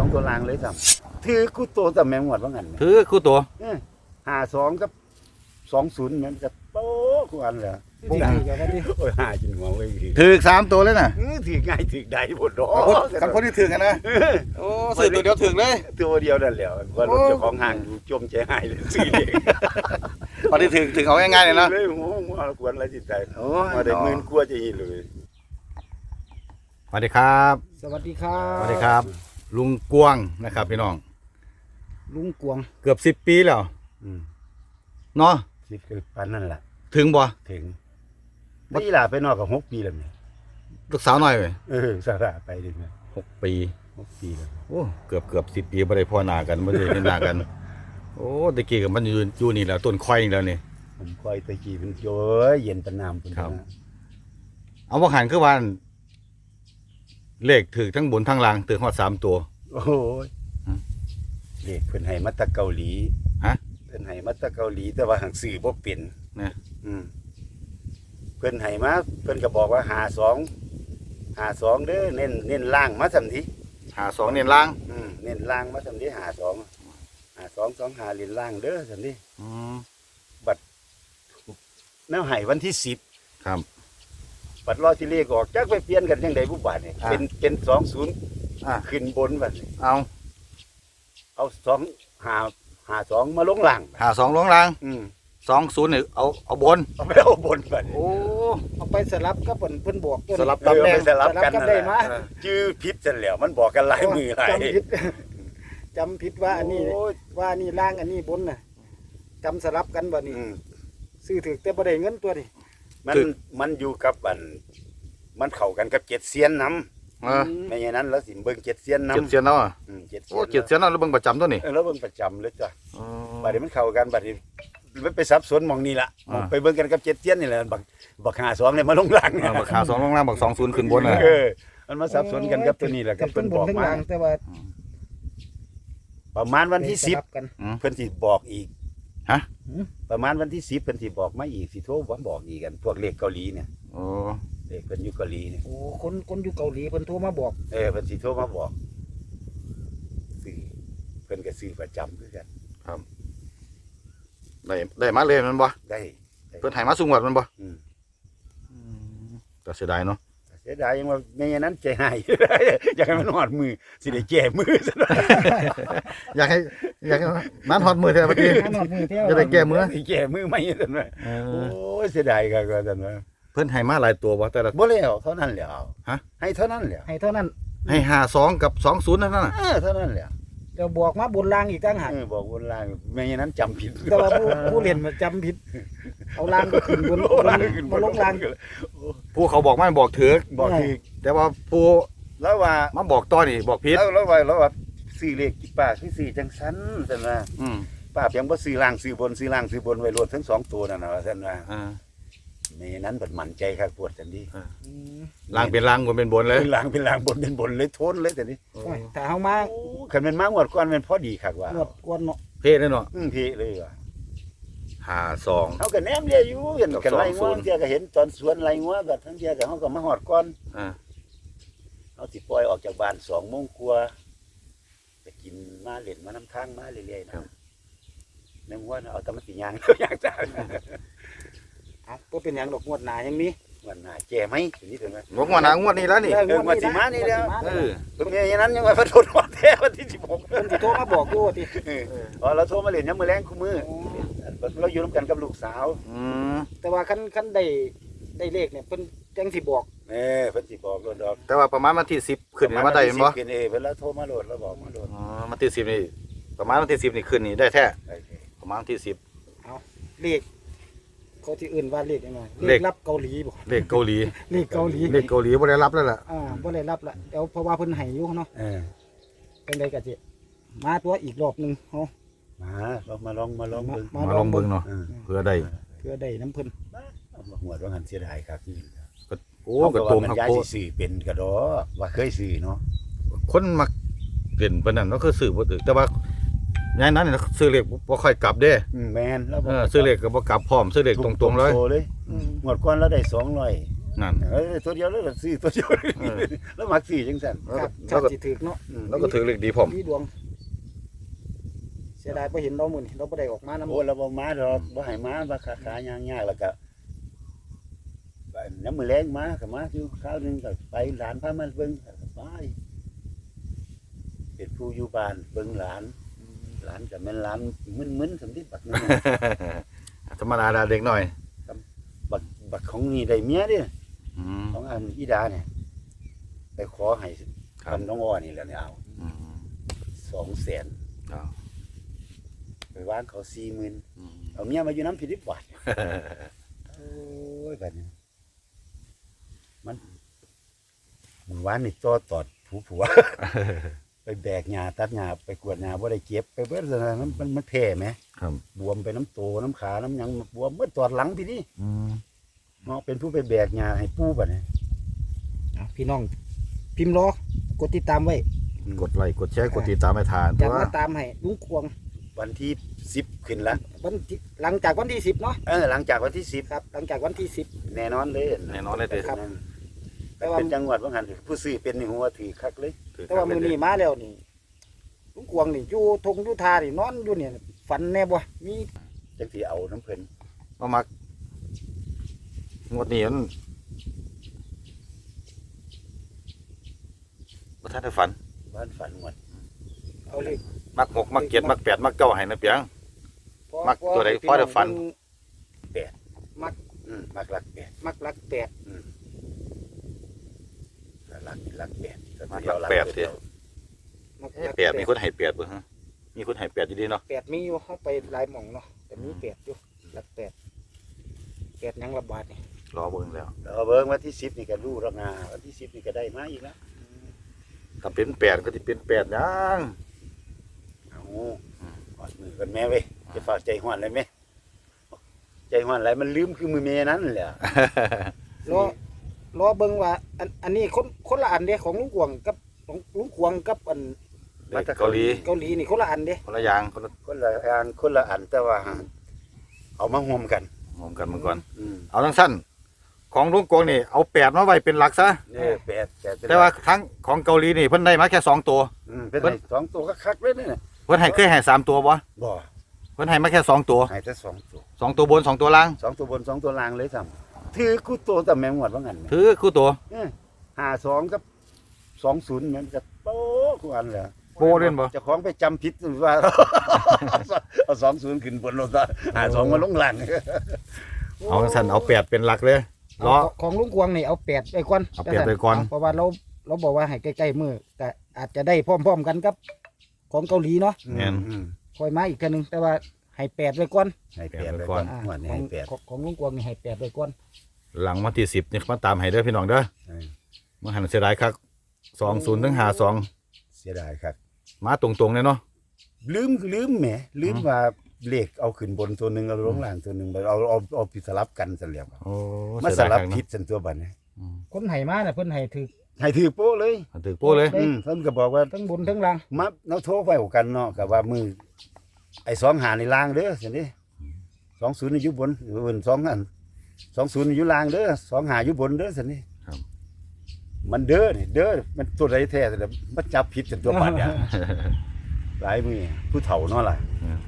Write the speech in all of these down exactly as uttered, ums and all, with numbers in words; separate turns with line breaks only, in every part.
ตัวรางเลยซ้ำถือกูโตแต่แมงหวดว่างั้น
ถือคู่ตัว
ห้าสองกับสองศูนย์มันจะโป๊ะกูอันเลย
ดีดีกับว่าดี
โอ้ยหาจินหัวไว้ดี
ถือสามตัวเลยน่ะ
ถือง่ายถือได้หมดดอก
กันคนที่ถือกันนะโอ้ซื้อตัวเดียวถือเลย
ตัวเดียวนั่นแหละว่ารถเจ้าของห้างอยู่จมใจหายเลยซื้อเอง
พอที่ถือถือเอาง่ายๆเลยนะ
เลยหัวหัวกวนอะไรจิตใจ
โอ้
มาได้หมื่นกว่าจะอีเลย
สวัสดีครับ
สวัสดีครับ
สวัสดีครับ ลุงกวงนะครับพี่น้อง
ลุงกวง
เกือบสิบปีแล้ว
อืม
เนาะ
สิบคือปันนั่นแหละ
ถึงบ่
ถึงนี่ล่ะไปนอกกับหกปีแล้วเนี่ย
ลูกสาวหน่อยเว้ย
เออสาระไปดิเนี่ย
หกปี
หกปีแล้ว
โอ้เกือบเกือบสิบปีไม่ได้พ่อหน้ากันไม่ได้เห็นหน้ากัน โอ้ตะกี้กับมันอยู่อยู่นี่แหละต้นควายนี่แล้วนี่
ผมคอยตะกี้เป็นโจ้ยเย็นตะนามเป็น
ครับ
นะ
เอาว่าหันคือวันเลขถือทั้งบนทั้งล่างถือฮอดสามตัว
โอ้ย
ฮะ
เด็กเพิ่นให้มาแตะเกาหลี
ฮะ
เพิ่นให้มาแตะเกาหลีแต่ว่าหังสื่อบ่เป็น
นะ
อืมเพิ่นให้มาเพิ่นก็บอกว่าหาสองหาสองเด้อเน้นเน้นล่างมาสำที
หาสองเน้นล่าง
อืมเน้นล่างมาสำทีหาสองหาสองสองหาเล่นล่างเด้อสำที
อืม
แนวให้วันที่สิบ
ครับ
บัดรอที่เลขออกจักไปเปลี่ยนกันจังได๋ผู้บาดนี่
อ่า
เป็นเป็นสองศูนย์
อ่ะ
ขึ้นบนบัดนี้
เอา
เอาสองหาหาสองมาลงล่าง
หาสองลงล่าง
อืม
สองศูนย์เนี่ยเอาเอาบน
เอาไปเอาบนบัดนี้
โอ้
เอาไปสลับกับเพิ่นเพิ่นบอกตัวนี้
สลับ
เออเอาไปสลับกัน
สลับกัน
นั่น
ได้
แหละ
มา
เออชื่อผิดจังแล้วมันบอกกันหลายมือหลาย
จำผิด จำผิดว่าอันนี้
โย
ว่านี่ล่างอันนี้บนน่ะจำสลับกันบ่นี่
อืม
ซื้อถือแต่บ่ได้เงินตัวนี่
มันมันอยู่กับอัน มันเข้ากันกับเจ็ดเซียนน้
เออ
ำไม่อย่างนั้นแล้วสิเบิ่งเจ็ดเซียนน้ำ
เจ็ดเสียนแล้วอ่ะ
อืมเจ็ดเซี
โอ้
ยน
เจ็ดเสียนแล้วเราเบิ่งประจำตัวนี่
เออแล้วเบิ่งประจำเลยจ้ะ
อ๋อ
บัดนี้มันเข้ากันบัดนี้มันไปสับสนหมองนี่ล่ะ
อ่า
ไปเบิ่งกันกับเจ็ดเซียนนี่แหละบักบักหาสองเนี่ยมาลงหลัง
เออบักหาสองลงล่างบักสองศูนย์ขึ้นบนน่ะ
เออมันมาสับสนกันกับตัวนี้แหละกับเพิ่นบอก
ทั้งบ
มา
ทั้งล่งแต่ว่า
ประมาณวันที่สิบ
สลักัน
เพิ่นสิบอกอีก
ฮะ
ประมาณวันที่สิบเพิ่นสิบอกมาอีกสิโทรมาบอกอีกกันพวกเลขเกาหลีเนี่ย
โอ้
เลขเพิ่นอยู่เกาหลีเนี่ย
โอ้คนคนอยู่เกาหลีเพิ่นโทรมาบอก
เออเพิ่นสิโทรมาบอกซื้อเพิ่นก็ซื้อประจำคือกัน
ได้ได้มาเลยมันบ่
ได้
เพิ่นให้มาสูงกว่ามันบ่
อืม
แต่เสียดายเนาะ
เสียดายยังว่าไม่อย่างนั้นใจหาย อยากให้มันหอดมือสิได้แก้มือซะหน่อย
อยากให้อยากให้มันฮอดมือแท้เมื่อกี้
หนอดมือเที่ยว
จะได้แก้มือ
สิแก้มือไม่ซะหน่อย
เอ
โอ้
อย
เสียดายก็ก็ซั่นว่า
เพิ่นให้มาหลายตัวบ่แต่ละ
บ่แล้วเท่านั้นแหล้ว
ฮะ
ให้เท่านั้นแหล้ว
ให้เท่านั้น
ให้หาสองกับสองศูนย์นั่นน่ะ
เออเท่านั้นแหล้ว
เดี๋ยวบอกมาบนล่างอีกต่างหาก
เออบอกบนล่างไม่อย่างนั้นจำผิด
แต่ว่าผู้ผู้เรียนมันจำผิด เอาล่างก็ขึ้นบน
โอ้ล่างขึ้นบ
มาน ลงล่าง
ผู้เขาบอกไม่บอกถือ
บอกคือ
แต่ว่าผู้
แล้วว่า
มาบอกต่อนี่บอกผิด
แล้วแล้วว่าแล้วว่าซื้อเลขกี่ป้าคือซื้อจังซั่นซั่นว่า
อืม
ป้าเพียงบ่ซื้อล่างซื้อบนซื้อล่างซื้อบนไว้รวมทั้งสองตัวนั่นน่ะว่าซั่นว่า
อ่า
ไม่อย่างนั้นบัดมั่นใจครับปวดจังดี
อืม
ล่างเป็นล่างบนเป็นบนเลย
เป็นล่างเป็นล่างบนเป็นบนเลยโทนเลยแต่นี้
โอ้ยถ้าเฮามา
โอ้คันเป็นมางวดก่อนเป็นพอดีคักว่า
หมดกวนเนาะ
เพ่เลยเนาะ
อืมเพเลยว่ะ
หาสอง
เฮาก็แนมเรียอยู่เห็นกันไล่
ส
งั
อ
ว
งศูนย์
เที่ยก็เห็นตอนสวนไล่งัวบัดทั้งเที่ยก็เฮาก็มาฮอดก่อน
อ่า
เฮาสิปล่อยออกจากบ้านสองโมงกว่าไปกินมาเล่นมาน้ำทางมาเรื่อยๆนะแม่งว่าเอาแตะมันสิย่าง ย่างจ้า
เอาบ่เป็นหยังดอกงวดหน้ายังมี
วันหน้าแก่ไหมทีนี้ถึงไหม
งวดงวดหนางวดนี้แล้วนี่
เออ
เอองวดสิมานี่แล้ว
เออ
เพิ่นมีอย่างนั้นยังว่าพระโทษฮอดแท้วันที่สิบหก
เพิ่นสิโทรมาบอกอยู่ว่าติ
เอออ๋อเราโทรมาเล่นยามมื้อแลงคู่มื้อเราอยู่ร่วมกันกับลูกสาว
อืม
แต่ว่าคันคันได้ได้เลขเนี่ยเพิ่นจังสิบอก
เออเพิ่นสิบอกโลดดอก
แต่ว่าประมาณวันที่สิบขึ้นนี่มาได้แม่นบ่
ขึ้นเอเพิ่นแล้วโทรมาโลดแล้วบอกมาโลด
อ๋อวันที่สิบนี่ประมาณวันที่สิบนี่ขึ้นนี่ได้แท้
โอเค
ประมาณวันที่สิบ
เลขเขาที่อื่นว่าเลขยังไง
เล
เล
ข
ขรับเกาหลีบ่
เลขเกาหลี
เลขเกาหลี
เลขเกาหลีบ่ได้รับแล้วล่ะ
อ่าบ่ได้รับละเดี๋ยวเพราะว่าเพิ่นให้อยู่เนาะ
เออ
เป็นไดก็สิมาตัวอีกรอบหนึงเฮา
มาลองมาลองมาลองเบิ่ง
มา
มาลองเบิ่งเนาะ
เออ
เพื่อได้
เพื่อได้น้ำเพิ่น
เอามาหัวว่าหันเสียดายครับที่
โอ้
เขา
กระ
ก็
โต
ว่าม มัน
ครับ
ย้าย
โค
สิสื่อเป็นกระดอว่าเคยสื่อเนาะ
คนมักเล่นปานนั้นก็คือซื้อบ่ถึกแต่ว่าย้ายนั้นนี่ซื้อเลขบ่ค่อยกลับเด้
อืมแม่นแล้ว
เออซื้อเลขก็บ่กลับพร้อมซื้อเลขตรงๆเลย
โตเลย
อืม
งวดก่อนเราได้สองร้อย
นั่น
เออตัวเดียวแล้วก็ซื้อตัวเดียว
เออ
แล้วมักซื้อจังซั่น
แล้ว
ค
ก็
รับ
แล้ว
ชา
ก็
ติถือเนาะ
อืม
แล้วก็ถือเลขดีพร้อม
มีดวง เสียดายบ่เห็นเรามื้อนี้เราบ่ได้ออกมานำ
โอ้เราบ่มาดอกบ่ให้มาบ่ขาขายางๆแล้วก็ไปน้ำมือแรงมาก็มาอยู่คราวหนึงก็ไปหลานพามาเบิ่งก็ไปเป็นผู้อยู่บ้านเบิ่งหลาน หลานก็แม่นหลานมึนๆสำที่บักนั่นน่ะ
ธรรมดาดาเด็กหน่อย
บักบักของนี่ได้เมียเด้
อืม
ของอันอีดาเนี่ยไปขอให้
ครับ
คันน้องอ้อนี่แหละเนี่ยเอา
อืม
สองแสน
เอา
ไปวางเขาสี่หมื่น
อืม
เอาเมียมาอยู่น้ำผิดบาทโอ้ยแบบนี้มันมันวานนี่ต่อตอดผัวผัว ไปแบกหญ้าตัดหญ้าไปกวดหญ้าบ่ได้เก็บไปเบิดเลยมันมันมันแผ่ไหม
ครับ
บวมไปน้ำโตน้ำขาน้ำหยังบวมเมื่อตอดหลังพี่นี่
อืม
เนาะเป็นผู้ไปแบกหญ้าให้ปู่บัดนี้
อ่ะพี่น้อง พิมพ์รอกดติดตามไว้
กดไลค์กดแชร์กดติดตามให้ทาน
จะ
ตัว
มาตามให้ลุงควง
วันที่สิบขึ้นละ
วันที่หลังจากวันที่สิบเนาะ
เออหลังจากวันที่สิบ
ครับ หลังจากวันที่สิบ
แน่นอนเลย
แน่นอนเลยเด้อ
ครับ
นั่น
แต่ว่า
เป็นจังหวัดว่างันผู้ซื้อเป็นนี่หัวถือคักเลย
ถือ
แต่ว่า
ครับ
มื้อนี้มาแล้วนี่ลุงควงนี่อยู่ทงอยู่ทานี่นอนอยู่เนี่ยฝันแน่บ่มี
จังสิเอาน้ำเพิ่น
มามักงวดนี้มันบ่ทันได้ฝัน
บ้านฝันหมด
เอาเลย
มักหกมักเจ็ดมักแปดมักเก้าให้นะเปียง
เพราะ
มักตัวใดพอได้ฝัน
อืมมักรักแปด
มักรักแปด
รักรักแปด
มักรักแปดสิ
มัก
เอ๊ะ
รัก
แปดมีคนให้แปดบ่ฮะมีคนให้แปดอยู่ดีเนาะ
แปดมีอยู่เฮาไปหลายหม่องเนาะแต่มีแปดอยู่รักแปดแปดหยังระบาดนี่
รอเบิ่งแล้ว
เราเบิ่งวันที่สิบนี่ก็รู้แล้วงาวันที่สิบนี่ก็ได้มาอีกแล้ว
ถ้าเป็นแปดก็สิเป็นแปดหยัง
เอาหอดมือกันแม่เว้ยจะฝากใจห้อนเลยไหมใจห้อนอะไรมันลืมคือมือเมยนั้นแหละ
รอรอเบิ่งว่าอันอันนี้คนคนละอันเด้ของลุงกวงกับของลุงควงกับอัน
เด็กเกาหลี
เกาหลีนี่คนละอันเด้
คนละอย่างคนละ
คนละอันคนละอันแต่ว่า เอามาห่วมกัน
หอมกันมาก่อน
อืม
เอาทั้งสั้นของลุงกงนี่เอาแปดมาไว้เป็นหลักซะ
เนี่ยแปดแปดเป็น
แต่ว่าทั้งของเกาหลีนี่เพิ่นได้มาแค่สองตัว
อืมเป็นไงสองตัวก็คักเลยเนี่ย
เพิ่นให้เคยให้สามตัวบ่
บ่
เพิ่นให้มาแค่สองตัว
ให้แต่สองตัว
สองตัวบนสองตัวล่าง
สองตัวบนสองตัวล่างเลยซ้ำถือคู่ตัวแต่แมงหวดว่างั้น
ถือคู่ตัว
ห้าสองกับสองศูนย์มันจะโป๊ะคู่อันเลย
โบเล่นบ่
เจะของไปจำผิดว่า เอาสองศูนย์ขึ้นบนรถหาสองมาลงหลัง
เอาทั้งสั้นเอาแปดเป็นหลักเลยล้อ
เอาของลุงกวงนี่เอาแปดไปก่อน
เอาแปดไปก่อน
เพราะว่าเราเราบอกว่าให้ใกล้ๆมือแต่อาจจะได้พร้อมๆกันกับของเกาหลีเนาะ
แม่น
อืม
คอยมาอีกกันนึงแต่ว่าให้แปดไปก่อน
ให้แปดไปก่อน
อ่า
หัวนี่
ของ
ให้แปด
ของของลุงกวงนี่ให้แปดไปก่อน
หลังวันที่สิบนี่มาตามให้เด้อพี่น้องเด้อ
เออ
มาหันเสียดายคักสองศูนย์ถึงห้าสอง
เสียดายครับ
มาตรงๆเลยเนาะ
ลืมลืมแหมลืม
อืม
ว่าเลขเอาขึ้นบนตัวหนึ่งเอาลงล่างตัวหนึ่งเอาเอาเอาผิดสลับกันเสลียบ
โอ้
มา
เสีย
ส
ดาย
ลับ
คัก
ผิ
เนาะ
ดสันตัวบัดนี้
อืม
คนให้มาน่ะเพิ่นให้ถือ
ให้ถือโป้เลย
ถือโป้เลย
เอ้ย
อืมเพิ่นก็บอกว่า
ทั้งบนทั้งล่าง
มาเราโทรไปกันเนาะกับว่ามือไอ้สองหาในล่างเด้อสินี่สองศูนย์อยู่บนอยู่บนสองอันสองศูนย์อยู่ล่างเด้อสองหาอยู่บนเด้อสินี่
ครับ
มันเด้อนี่เด้อมันตัวใดแท้แต่มันจับผิดกันตัวบัดเนี่ยหลายมือผู้เฒ่าเนาะล่ะ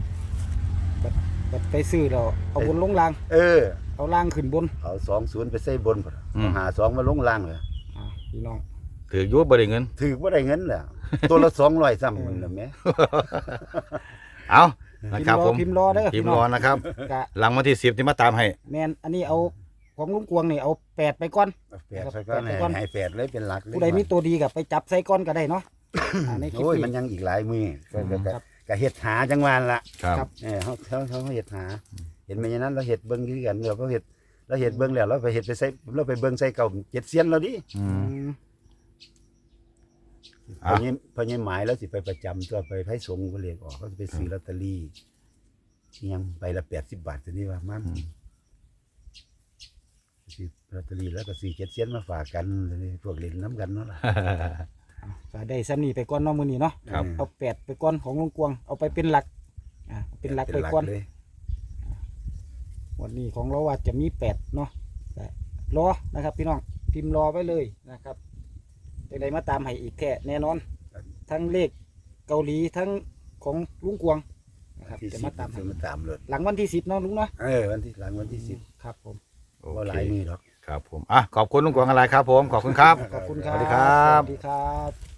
บัดไปซื้อแล้วเอาบนลงล่าง
เออ
เอาล่างขึ้นบน
เอาสองศูนย์ไปใส่บนพุ่น
อืม
เอาหาสองมาลงล่างเลย
อ่าพี่น้อง
ถืออยุ่บ่ได้เงิน
ถือว่าได้เงินแหละตัวละสองร้อยซ้ำมันละแม่
เอานะครับผม
พิมพ์รอเด้อ
พิมพ์รอนะครับ
กะ
หลังวันที่สิบที่มาตามให้
แมนอันนี้เอาของลุงกวงนี่เอาแปดไปก่อน
เอาแปดไปก่อน
แปดไปก่อน
ให้แปดเลยเป็นหลักเลย
ผู้ใดมีตัวดีกับไปจับใส่ก้อนก็ได้เนาะอ่าในคลิป
โอ้ย
นี้
มันยังอีกหลายมือก็ก็ก็
ครับ
ก็เฮ็ดหาจังหวานละ
ครับ
ครับ
เออเขาเขาเขาเฮ็ดหา เห็นไหมอย่างนั้นเราเฮ็ดเบิ่งคือกันเราก็เฮ็ดเราเฮ็ดเบิ่งแล้วเราไปเฮ็ดไปใส่เราไปเบิ่งใส่เก่าเจ็ดเซียนเราดิ
อืม
อืม
พอนี้พอนี้หมายแล้วสิไปประจำตัวไปไผสงฆ์ก็เรียกออกเขาจะไปซื้อลอตเตอรี่อิหยังใบละแปดสิบบาทตัวนี้ว่ามันซื้อลอตเตอรี่แล้วก็ซื้อเจ็ดเซียนมาฝากกันเลยพวกเล่นน้ำกันเนาะล่ะ
ก็ได้ซ้ำนี่ไปก่อนเนาะมื้อนี้เนาะ
ครับ
เอาแปดไปก่อนของลุงกวงเอาไปเป็นหลักอ่าเป็นหลักไปก่อน
เลย
วันนี้ของเราว่าจะมีแปดเนาะแต่รอนะครับ พี่น้องพิมพ์รอไว้เลยนะครับจังใดมาตามให้อีกแท้แน่นอน ทั้งเลขเกาหลีทั้งของลุงกวงนะครับ
ที่
จะ
สิ
มา
บ
ตามให้
จะมาตามเลย
หลังวันที่สิบเนาะลุงเนาะ
เออวันที่หลังวันที่สิบ
ครับผม
โอ
ว่า
เค
หลายมือหรอก
ครับผมอ่ะขอบคุณลุงกวางอะไรครับผมขอบคุณครับ
ขอบคุณครับ
สวัสดีครับ
สวัสดีครับ